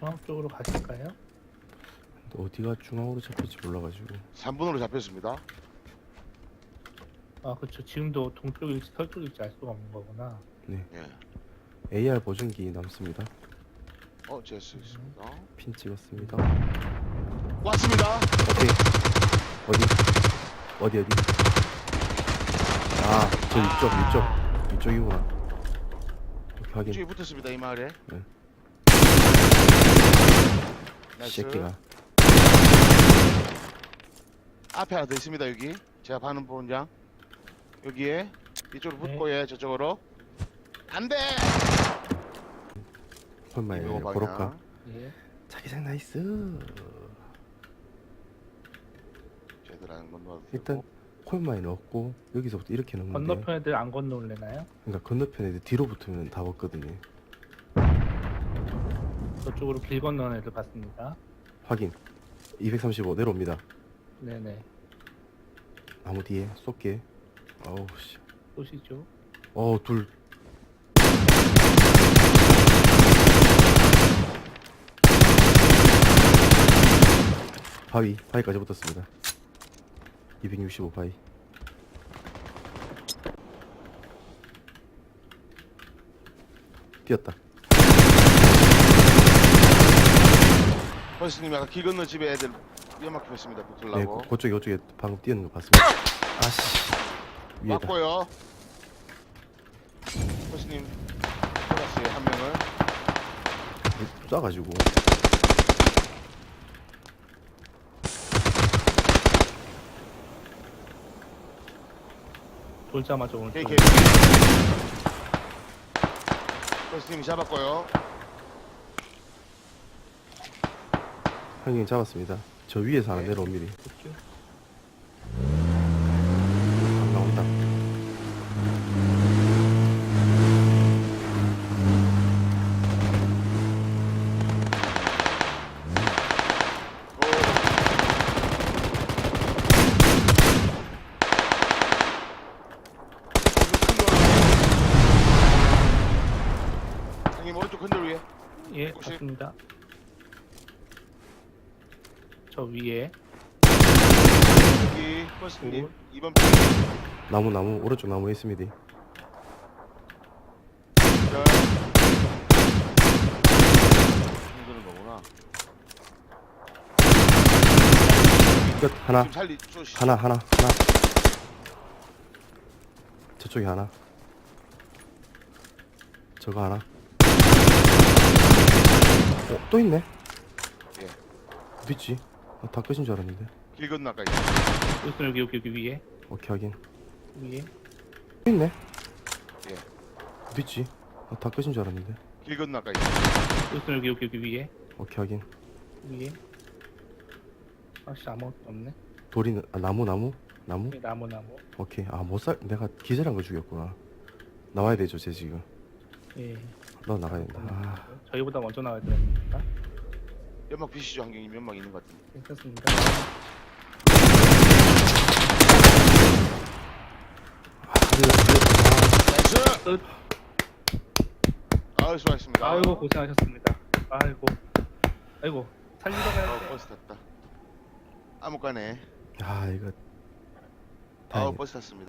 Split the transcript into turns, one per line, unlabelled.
중앙 쪽으로 가실까요?
근데 어디가 중앙으로 잡힐지 몰라가지고.
3분으로 잡혔습니다.
아 그쵸, 지금도 동쪽일지 서쪽일지 알 수가 없는 거구나.
네.
예.
AR 보정기 남습니다.
제스 있습니다.
핀 찍었습니다.
왔습니다.
오케이. 어디? 아, 저 이쪽이구나. 이렇게 확인.
뒤에 붙었습니다. 이 마을에.
네.
나이스.
새끼가.
앞에 하나 더 있습니다. 여기 제가 봐는 본장 여기에 이쪽으로 붙고 예 저쪽으로 안돼.
헐마에
이거 방향.
고로카.
예.
자기장 나이스.
제대로 하는 건 넣어도
일단
되고.
콜마에 넣었고 여기서부터 이렇게 넣는데.
건너편 애들 안 건너올래나요?
그러니까 건너편 애들 뒤로 붙으면 다 먹거든요.
저쪽으로 길 건너는 애들 봤습니다.
확인. 235 내려옵니다.
네네.
나무 뒤에 쏠게. 어우 씨.
쏘시죠.
둘. 바위까지 붙었습니다. 265 바위. 뛰었다.
버스님 아까 길 건너 집에 애들 연막 폈습니다.
네,
붙으려고.
그쪽에 방금 뛰는 거 봤습니다. 아씨. 위에다.
맞고요. 버스님 돌았어요. 한 명을.
쏴가지고.
돌자마자 오른쪽.
KK. 버스님이 잡았고요.
형님 잡았습니다. 저 위에서 하나
네.
내려옵니다.
그쪽.
안 나온다.
형님 오른쪽 흔들 위에.
예,
혹시-
봤습니다. 저 위에.
여기 버스님
오.
2번
나무 오른쪽 나무에 있습니다.
절 흔드는 거구나.
끝. 하나.
지금 살리 쏘시.
하나. 저쪽에 하나. 저거 하나. 또 있네.
예.
어디 있지? 다 끝인 줄 알았는데.
길 건너까지.
여기 위에.
오케이 확인.
위에.
또 있네.
예.
어디 있지? 다 끝인 줄 알았는데.
길 건너까지.
여기 위에.
오케이 확인.
위에. 아씨 아무것도 없네.
돌이 나무.
예, 나무.
오케이. 내가 기절한 거 죽였구나. 나와야 되죠, 쟤 지금.
예.
너 나가야 된다.
저희보다 먼저 나와야 됩니다.
연막 비시죠 환경님 연막 있는 것 같은데.
괜찮습니다.
나이스.
끝.
아유 수고하셨습니다.
아이고 고생하셨습니다. 아이고 살리러 가야 돼.
버스 탔다. 아무까네.
아 이거
아우
다행이다.
버스 탔습니다.